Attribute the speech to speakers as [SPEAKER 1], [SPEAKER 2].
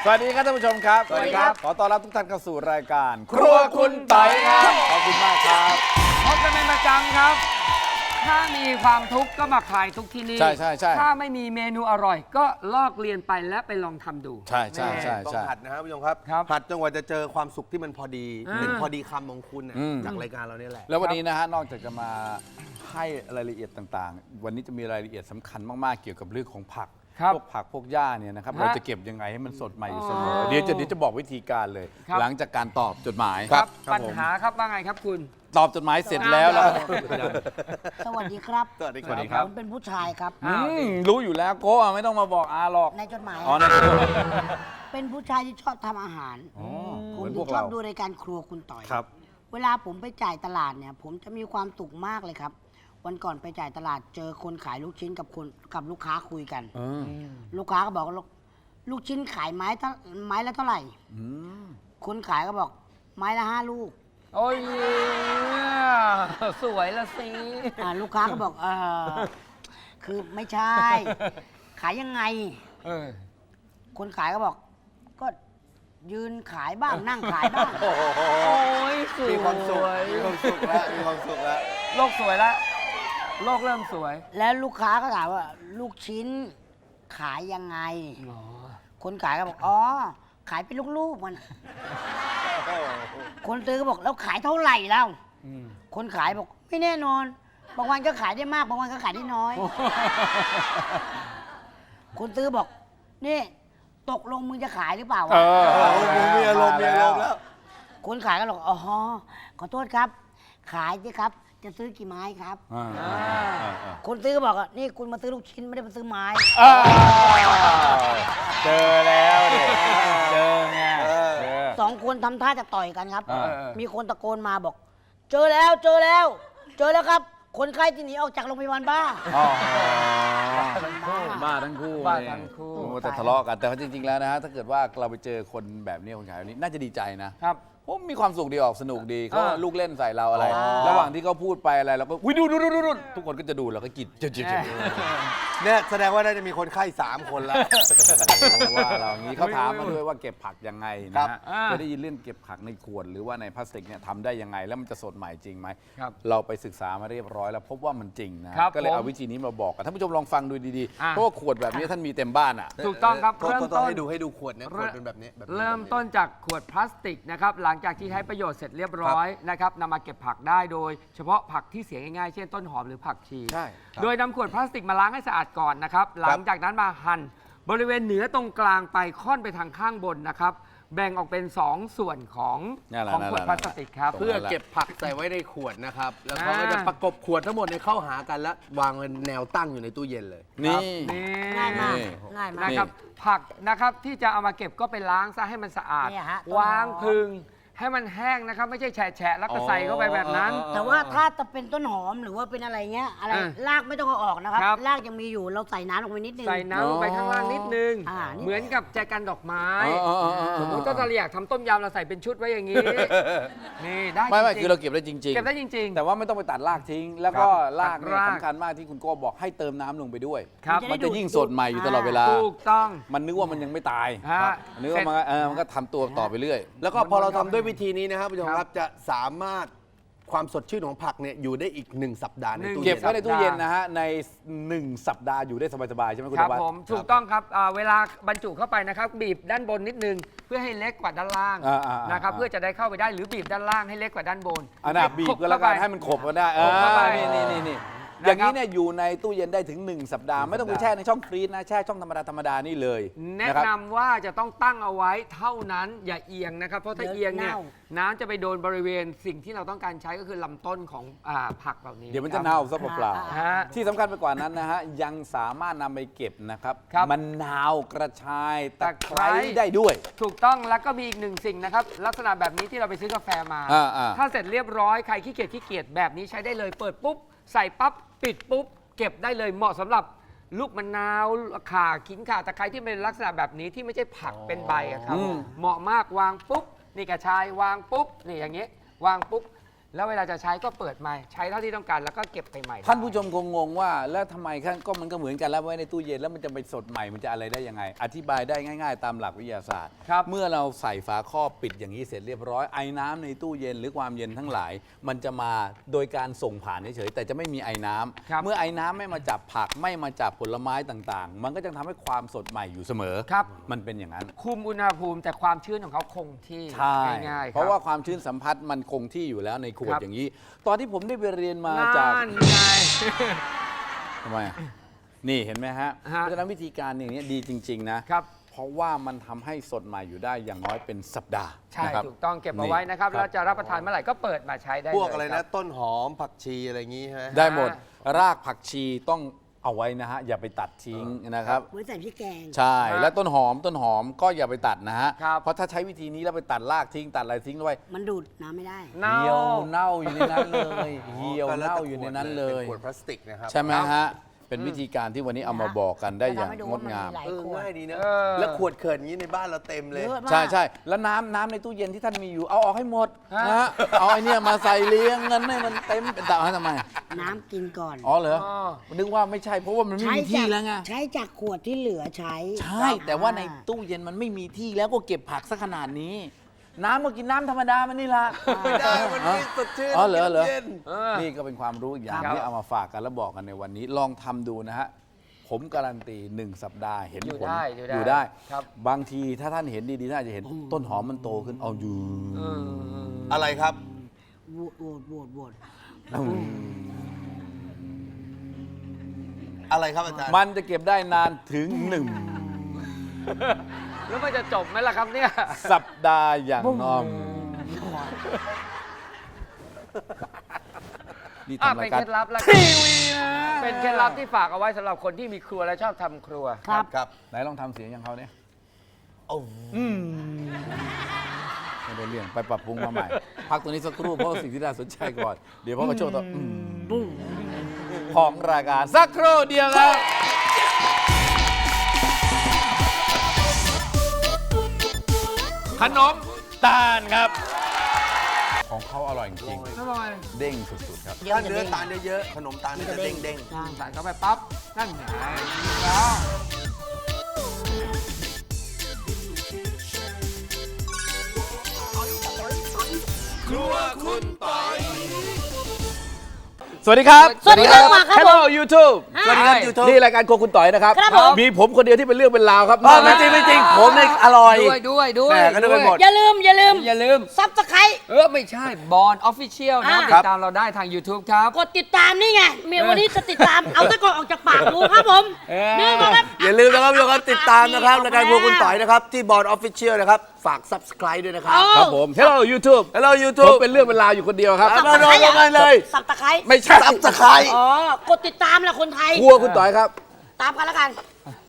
[SPEAKER 1] สวัสดีครับท่านผู้ชมครับ
[SPEAKER 2] สวัสดีครับ
[SPEAKER 1] ขอต้อนรับทุกท่านเข้าสู่รายการครัวคุณไต่ครับขอบคุณมากครับ
[SPEAKER 2] พบกันเป็นประจำครับ ถ้ามีความทุกข์ก็มาคลายทุกข์ที่นี่
[SPEAKER 1] ใช่
[SPEAKER 2] ถ้าไม่มีเมนูอร่อย ก็ลอกเรียนไปและไปลองทำดู
[SPEAKER 1] ใช่
[SPEAKER 3] ต้องหัดนะครับผู้ชมครับ
[SPEAKER 2] ครับ
[SPEAKER 3] หัดจนกว่าจะเจอความสุขที่มันพอดี
[SPEAKER 2] อ่า
[SPEAKER 3] เป็นพอดีคำของคุณน่ะจากรายการเราเนี่ยแหละ
[SPEAKER 1] แล้ววันนี้นะฮะนอกจากจะมาให้รายละเอียดต่างๆ วันนี้จะมีรายละเอียดสำคัญมากๆเกี่ยวกับเรื่องของผัก
[SPEAKER 2] ครับ
[SPEAKER 1] พวกผักพวกหญ้าเนี่ยนะครับ
[SPEAKER 2] ฮะ
[SPEAKER 1] เราจะเก็บยังไงให้มันสดใหม่อยู่เสมอ
[SPEAKER 2] อ๋อ
[SPEAKER 1] เดี๋ยวจะบอกวิธีการเลย
[SPEAKER 2] ครับ
[SPEAKER 1] หลังจากการตอบจดหมาย
[SPEAKER 2] ครับปัญหาครับว่าไงครับคุณ
[SPEAKER 1] ตอบจดหมายเสร็จแล้วแล้ว
[SPEAKER 4] สวัสดีครับ
[SPEAKER 3] สวัสดี
[SPEAKER 1] สวัสดีครับ
[SPEAKER 4] ผมเป็นผู้ชายครับ
[SPEAKER 1] รู้อยู่แล้วโก้ไม่ต้องมาบอกอาหรอก
[SPEAKER 4] ในจดหมาย
[SPEAKER 1] อ๋อนั่น
[SPEAKER 4] เป็นผู้ชายที่ชอบทำอาหาร
[SPEAKER 1] อ๋อ
[SPEAKER 4] ผ
[SPEAKER 1] เหมือน
[SPEAKER 4] มถึ
[SPEAKER 1] พว
[SPEAKER 4] ง
[SPEAKER 1] ก
[SPEAKER 4] ชอ
[SPEAKER 1] เรา
[SPEAKER 4] บดูรายการครัวคุณต่อย
[SPEAKER 1] ครับ
[SPEAKER 4] เวลาผมไปจ่ายตลาดเนี่ย ผมจะมีความสุขมากเลยครับ วันก่อนไปจ่ายตลาดเจอคนขายลูกชิ้นกับลูกค้าคุยกัน ลูกค้าก็บอกว่าลูกชิ้นขายไม้ละเท่าไหร่ คนขายก็บอกไม้ละ5 ลูก
[SPEAKER 2] โอ้ยสวยละสิ
[SPEAKER 4] ลูกค้าก็บอกคือไม่ใช่ ขายยังไง
[SPEAKER 2] เออ
[SPEAKER 4] คนขายก็บอก ก็ยืนขายบ้างนั่งขายบ้าง
[SPEAKER 2] โอ้ยสวย
[SPEAKER 3] มีความสุขมีความสุขแล้วมีความสุขแล้ว
[SPEAKER 2] โลกสวยแล้วโลกเริ่มสวย
[SPEAKER 4] แล้วลูกค้าก็ถามว่า ลูกชิ้นขายยังไง คนขายก็บอกอ๋อขายเป็นลูกๆมัน คนซื้อก็บอกแล้วขายเท่าไหร่แล้วคนขายบอกไม่แน่นอนบางวันก็ขายได้มากบางวันก็ขายได้น้อย คนซื้อบอกนี่ตกลงมึงจะขายหรือเปล่าวะ
[SPEAKER 3] มีอารมณ์แล้ว
[SPEAKER 4] คนขายก็บอกอ๋อขอโทษครับ ขายสิครับ จะซื้อกี่ไม้ครับ คนซื้อก็บอกว่านี่คุณมาซื้อลูกชิ้นไม่ได้มาซื้อไม้
[SPEAKER 1] เจอแล้วดิเจอไงเจอ
[SPEAKER 4] 2 คนทำท่าจะต่อยกันครับ
[SPEAKER 1] อ่า
[SPEAKER 4] มีคนตะโกนมาบอก เจอแล้วเจอแล้ว เจอแล้วครับ คนไข้ที่หนีออกจากโรงพยาบาลบ้า
[SPEAKER 1] บ้าทั้งคู่
[SPEAKER 2] บ้าทั้งคู่
[SPEAKER 1] โอ้แต่ทะเลาะกันแต่ว่าจริงๆแล้วนะฮะถ้าเกิดว่าเราไปเจอคนแบบนี้คนขายแบบนี้น่าจะดีใจนะครับผมมีความสุขดีออกสนุกดีเขาลูกเล่นใส่เราอะไร ระหว่างที่เขาพูดไปอะไรเราก็วิดูทุกคนก็จะดูเราก็กินจิบ
[SPEAKER 3] เนี่ยแสดงว่าน่าจะมีคนไข้3 คนแล้ว
[SPEAKER 1] ว่าเราอย่างนี้เขาถามมาด้วยว่าเก็บผักยังไง
[SPEAKER 3] ครั
[SPEAKER 1] นะ
[SPEAKER 3] บ
[SPEAKER 1] ฮะจะได้ยินเรื่องเก็บผักในขวดหรือว่าในพลาสติกเนี่ยทำได้ยังไงแล้วมันจะสดใหม่จริงไหม
[SPEAKER 2] ครับ
[SPEAKER 1] เราไปศึกษามาเรียบร้อยแล้วพบว่ามันจริงนะครับ ก็เลยเอา
[SPEAKER 2] ผม
[SPEAKER 1] วิธีนี้มาบอกกันท่านผู้ชมลองฟังดูดีๆ
[SPEAKER 2] อ่ะ
[SPEAKER 1] เพราะว่าขวดแบบนี้ท่านมีเต็มบ้านอ่ะ
[SPEAKER 2] ถูกต้องครับ
[SPEAKER 3] ต้
[SPEAKER 2] เริ่ม
[SPEAKER 3] อง
[SPEAKER 2] ต้น
[SPEAKER 3] ให้ดูขวดเนี่ยขวดเป็นแบบนี้แบบนี้
[SPEAKER 2] เริ่มต้นจากขวดพลาสติกนะครับหลังจากที่ใช้ประโยชน์เสร็จเรียบร้อยนะครับนำมาเก็บผักได้โดยเฉพาะผักที่เสียง่ายๆเช่นต้นหอมหรือผักชี
[SPEAKER 1] ใช่
[SPEAKER 2] โดยนำขวดพลาสติกมาล้างให้สะอาดก่อนนะครับหลังจากนั้นมาหั่นบริเวณเหนือตรงกลางไปค่อนไปทางข้างบนนะครับแบ่งออกเป็น 2 ส่วนของ
[SPEAKER 1] นั่นแหละ
[SPEAKER 2] ของขวดพลาสติกครับ
[SPEAKER 1] นั่นแหละ
[SPEAKER 3] เพื่อเก็บผักใส่ไว้ในขวดนะครับ แล้วเขาก็จะประกบขวดทั้งหมดในเข้าหากันแล้ววางเป็นแนวตั้งอยู่ในตู้เย็นเลย
[SPEAKER 1] นี่
[SPEAKER 2] นี่
[SPEAKER 4] ง่ายมาก
[SPEAKER 1] นี่
[SPEAKER 4] ง่ายมาก
[SPEAKER 2] นะครับผักนะครับที่จะเอามาเก็บก็ไปล้างซะให้มันสะอาด
[SPEAKER 4] เนี่ยฮะ
[SPEAKER 2] วางพึงให้มันแห้งนะครับไม่ใช่แฉะๆแล้วก็ใส่เข้าไปแบบนั้น
[SPEAKER 4] แต่ว่าถ้าจะเป็นต้นหอมหรือว่าเป็นอะไรเงี้ยอะไร
[SPEAKER 2] อ่ะ
[SPEAKER 4] รากไม่ต้องเอาออกนะครับ
[SPEAKER 2] ครับ
[SPEAKER 4] รากยังมีอยู่เราใส่น้ำลงไปนิดนึง
[SPEAKER 2] ใส่น้ำลงไปข้างล่างนิดนึง
[SPEAKER 4] นี่
[SPEAKER 2] เหมือนกับแจกันดอกไม้
[SPEAKER 1] อ๋อ
[SPEAKER 2] สมมติถ้าเราอยากทำต้มยำเราใส่เป็นชุดไว้อย่างนี้ นี่ได้
[SPEAKER 1] ไม่
[SPEAKER 2] จริงๆ
[SPEAKER 1] คือเราเก็บได้จริง
[SPEAKER 2] เก็บได้จริง
[SPEAKER 1] แต่ว่าไม่ต้องไปตัดรากทิ้ง แล้วก็
[SPEAKER 2] ครับ
[SPEAKER 1] รากเนี่ย
[SPEAKER 2] ตัดราก
[SPEAKER 1] สำคัญมากที่คุณโก้บอกให้เติมน้ำลงไปด้วย
[SPEAKER 2] ๆครับ
[SPEAKER 1] มันจะยิ่งสดใหม่อยู่ตลอดเวลา
[SPEAKER 2] ถูกต้อง
[SPEAKER 1] มันนึกว่ามันยังไม่ตาย
[SPEAKER 2] ฮะ
[SPEAKER 1] มันนึกว่ามันก็ทำตัวต่อไปเรื่อย
[SPEAKER 3] แล้วก็พอเราทำด้วยวิธีนี้นะครับผู้ชมครับจะสามารถความสดชื่นของผักเนี่ยอยู่ได้อีก1 สัปดาห์ในตู้
[SPEAKER 1] เก็
[SPEAKER 3] เย็
[SPEAKER 1] บ
[SPEAKER 3] น
[SPEAKER 1] ไว้ในตู้เย็นนะฮะใน1 สัปดาห์อยู่ได้สบายๆใช่ไหมคุณ
[SPEAKER 2] ครับ
[SPEAKER 1] ธวัฒน์
[SPEAKER 2] ผมถูกต้องครับเวลาบรรจุเข้าไปนะครับบีบด้านบนนิดนึงเพื่อให้เล็กกว่าด้านล่าง นะครับเพื่อจะได้เข้าไปได้หรือบีบด้านล่างให้เล็กกว่าด้านบน
[SPEAKER 1] อันน่ะบีบก็แล้วกันให้มันขบกันได้
[SPEAKER 2] ขบเข้าไป
[SPEAKER 1] นี่อย่างนี้เนี่ยอยู่ในตู้เย็นได้ถึง1 สัปดาห์ไม่ต้องไปแช่ในช่องฟรีซนะแช่ช่องธรรมดานี่เลย
[SPEAKER 2] แนะนำว่าจะต้องตั้งเอาไว้เท่านั้นอย่าเอียงนะครับ เพราะถ้าเอียงเนี่ยน้ำจะไปโดนบริเวณสิ่งที่เราต้องการใช้ก็คือลำต้นของผักเหล่านี้
[SPEAKER 1] เดี๋ยวมันจะเน่าซะเปล่า
[SPEAKER 2] ฮะ
[SPEAKER 1] ๆที่สำคัญไปกว่านั้นนะฮะยังสามารถนำไปเก็บนะครับ
[SPEAKER 2] ครับ
[SPEAKER 1] มะนาวกระชายตะไคร้
[SPEAKER 2] ตะไคร้
[SPEAKER 1] ได้ด้วย
[SPEAKER 2] ถูกต้องแล้วก็มีอีกหนึ่งสิ่งนะครับลักษณะแบบนี้ที่เราไปซื้อกาแฟมา
[SPEAKER 1] อ่า
[SPEAKER 2] ถ้าเสร็จเรียบร้อยใครขี้เกียจแบบนี้ใช้ได้เลยเปิดปุ๊บใส่ปั๊บปิดปุ๊บเก็บได้เลยเหมาะสำหรับลูกมะนาวข่าขิงข่าตะไคร้ที่เป็นลักษณะแบบนี้ที่ไม่ใช่ผักเป็นใบอะครับเหมาะมากวางปุ๊บนี่กระชายวางปุ๊บนี่อย่างเงี้ยวางปุ๊บแล้วเวลาจะใช้ก็เปิดมาใช้เท่าที่ต้องการแล้วก็เก็บไปใหม่
[SPEAKER 1] ท่านผู้ชมคงงงว่าแล้วทำไมก็มันก็เหมือนกันแล้วไว้ในตู้เย็นแล้วมันจะไปสดใหม่มันจะอะไรได้ยังไง อธิบายได้ง่ายๆ ตามหลักวิทยาศาสตร์
[SPEAKER 2] ครับ
[SPEAKER 1] เมื่อเราใส่ฝาครอบปิดอย่างนี้เสร็จเรียบร้อยไอ้น้ำในตู้เย็นหรือความเย็นทั้งหลาย มันจะมาโดยการส่งผ่านเฉยๆแต่จะไม่มีไอ้น้ำ
[SPEAKER 2] ครับ
[SPEAKER 1] เมื่อไอ้น้ำไม่มาจับผักไม่มาจับผลไม้ต่างๆ มันก็จะทำให้ความสดใหม่อยู่เสมอ
[SPEAKER 2] ครับ
[SPEAKER 1] มันเป็นอย่างนั้น
[SPEAKER 2] คุมอุณหภูมิแต่ความชื้นของเขาคงที่
[SPEAKER 1] ใช่
[SPEAKER 2] ง่ายๆ
[SPEAKER 1] เพราะว่าความชื้นสัมผัสมันคงที่อยู่แล้วในขวด
[SPEAKER 2] ครับ
[SPEAKER 1] อย่างนี้ ตอนที่ผมได้ไปเรียนมา
[SPEAKER 2] นั่
[SPEAKER 1] จาก
[SPEAKER 2] นไง
[SPEAKER 1] ทำไมอ่ะนี่เห็นไหมฮะ
[SPEAKER 2] ฮะ
[SPEAKER 1] เพราะฉะนั้นวิธีการอย่างนี้ดีจริง ๆ นะ
[SPEAKER 2] ครับ
[SPEAKER 1] เพราะว่ามันทำให้สดใหม่อยู่ได้อย่างน้อยเป็นสัปดาห์
[SPEAKER 2] ใช่
[SPEAKER 1] นะครับ
[SPEAKER 2] ถูกต้องเก็บเอาไว้นะครับ
[SPEAKER 1] นี่
[SPEAKER 2] แล้วจะรับประทานเมื่อไหร่ก็เปิดมาใช้ได้
[SPEAKER 3] พวกอะไร
[SPEAKER 2] เลยค
[SPEAKER 3] นะ
[SPEAKER 2] รับ
[SPEAKER 3] ต้นหอมผักชีอะไรอย่างงี้ใช่ไหม
[SPEAKER 1] ได้หมดรากผักชีต้องเอาไว้นะฮะ อย่าไปตัดทิ้งนะครับ
[SPEAKER 4] ไว้ใส่พริกแกง
[SPEAKER 1] ใช่ และต้นหอมก็อย่าไปตัดนะฮะ
[SPEAKER 2] ครับ
[SPEAKER 1] เพราะถ้าใช้วิธีนี้แล้วไปตัดรากทิ้งตัดอะไรทิ้งด้วย
[SPEAKER 4] มันดูดน้ำไม่ได้
[SPEAKER 2] เน่า
[SPEAKER 1] เหี่ยวเน่าอยู่ในนั้นเลยเหี่ยวเน่าอยู่ในนั้นเลย
[SPEAKER 3] เป็นขวดพลาสติกนะครับ
[SPEAKER 1] ใช่ไหมฮะ เป็นวิธีการที่วันนี้เอามาบอกกันได้อย่าง
[SPEAKER 4] จะทำให้ดู
[SPEAKER 1] ง
[SPEAKER 4] ว่า
[SPEAKER 1] ด
[SPEAKER 4] มัน
[SPEAKER 1] งาม
[SPEAKER 4] มีหลาย ขวด
[SPEAKER 3] ง่ายดีนะ
[SPEAKER 2] เออ
[SPEAKER 3] แล้วขวดเขินอย่างนี้ในบ้านเราเต็มเลย
[SPEAKER 4] เยอะมาก
[SPEAKER 1] ใช่ใช่แล้วน้ำในตู้เย็นที่ท่านมีอยู่เอาออกให้หมด
[SPEAKER 2] ฮะ
[SPEAKER 1] นะฮะเอาไอ้เนี่ยมาใส่เลี้ยงเงินให้มันเต็มเป็นตาทำไม
[SPEAKER 4] น้ำกินก่อน
[SPEAKER 1] อ๋อเหรอ
[SPEAKER 2] อ๋อ
[SPEAKER 1] นึกว่าไม่ใช่เพราะว่ามันไม่มีที่แล้วไง
[SPEAKER 4] ใช้จากขวดที่เหลือใช้
[SPEAKER 1] ใช่ แต่ว่าในตู้เย็นมันไม่มีที่แล้วก็เก็บผักซะขนาดนี้ น้ำก็กินน้ำธรรมดามันนี่ละ
[SPEAKER 3] ไม่ได้มันไม่สดชื่น
[SPEAKER 1] อ๋อเหรอเหรอ
[SPEAKER 3] เย็น
[SPEAKER 2] เออ
[SPEAKER 1] นี่ก็เป็นความรู้อีกอย่าง
[SPEAKER 2] ครับ
[SPEAKER 1] ที่เอามาฝากกันแล้วบอกกันในวันนี้ ลองทำดูนะฮะ ผมการันตี 1 สัปดาห์เห็น
[SPEAKER 2] อยู่
[SPEAKER 1] ผล
[SPEAKER 2] ได้
[SPEAKER 1] อยู่ได้
[SPEAKER 2] ครับ
[SPEAKER 1] บางทีถ้าท่านเห็นดีๆท่านอาจจะเห็นต้นหอมมันโตขึ้นเอาอยู่
[SPEAKER 2] เออ
[SPEAKER 3] อะไรครับ
[SPEAKER 4] โหวต
[SPEAKER 3] อะไรครับอาจารย์
[SPEAKER 1] มันจะเก็บได้นานถึง
[SPEAKER 2] แล้วมันจะจบไหมล่ะครับเนี่ย
[SPEAKER 1] 1 สัปดาห์อย่างน้อยนี่
[SPEAKER 2] อ่ะ
[SPEAKER 1] ทำ
[SPEAKER 2] เป็
[SPEAKER 1] ราน ยการ
[SPEAKER 2] เคล็ดลับแล้ว
[SPEAKER 1] ทีวีนะ
[SPEAKER 2] เป็นเคล็ดลับที่ฝากเอาไว้สำหรับคนที่มีครัวและชอบทำครัว
[SPEAKER 4] ครับ
[SPEAKER 3] ครับ
[SPEAKER 1] ไหนลองทำเสียงอย่างเขาเนี่ย
[SPEAKER 3] โอ้
[SPEAKER 1] ไม่ได้เรื่องไปปรับปรุงมาใหม่ พักตัวนี้สักครู่เพราะว่าสิ่งที่น่าสนใจก่อน เดี๋ยวพ่อกระโชว์ต่อของรายการสักครู่เดียวครับ ขนมตาลครับ ของเขาอร่อยจริง
[SPEAKER 2] อร่อย
[SPEAKER 1] ๆเด้งสุดๆครับ
[SPEAKER 3] ถ้าเนื้อตาลเยอะๆขนมตาลมันจะเด้ง
[SPEAKER 4] ใช่
[SPEAKER 2] ใส่เข้าไปปั๊บ นั่นไงแล้ว
[SPEAKER 1] สวัสดีครับ
[SPEAKER 4] สวัสดีครับครับผม
[SPEAKER 1] Hello YouTube
[SPEAKER 3] ๆสวัสดีครับยูทูบ
[SPEAKER 1] นี่รายการโครัวคุณต่อยนะครับ
[SPEAKER 4] ครับผม
[SPEAKER 1] มีผมคนเดียวที่เป็นเรื่องเป็นราวครับ
[SPEAKER 3] ไม่จริงไม่จริงผมเนี่ยอร่อย
[SPEAKER 2] ด้วย
[SPEAKER 3] แหม่ก็นึกไปหมด
[SPEAKER 4] อย่าลืม
[SPEAKER 2] อย่าลืม
[SPEAKER 4] ซับสไครต์
[SPEAKER 2] ไม่ใช่บอลออฟฟิเชียลนะ
[SPEAKER 4] อ่า
[SPEAKER 2] ติดตามเราได้ทาง YouTube ครับ
[SPEAKER 4] กดติดตามนี่ไงเมียวันนี้จะติดตาม เอาตะกอนออกจากปากดูครับผมนี่มาครับ
[SPEAKER 3] อย่าลืมนะครับทุกคนติดตามนะครับรายการพวกคุณต่อยนะครับ ที่บอร์ดออฟฟิเชียลนะครับ ฝาก subscribe ด้วยนะครับ
[SPEAKER 1] ครับผม Hello YouTube
[SPEAKER 3] Hello
[SPEAKER 1] ผม
[SPEAKER 3] YouTube
[SPEAKER 1] เป็นเรื่องเป็นราวอยู่คนเดียวครับ
[SPEAKER 3] เอามาลงกันเลย
[SPEAKER 4] สับตะไคร้
[SPEAKER 1] ไม่ใช่
[SPEAKER 3] subscribe
[SPEAKER 4] อ๋อ กดติดตามแหละคนไทย
[SPEAKER 1] ครัวคุณต่อยครับ
[SPEAKER 4] ตามกันแล้วกัน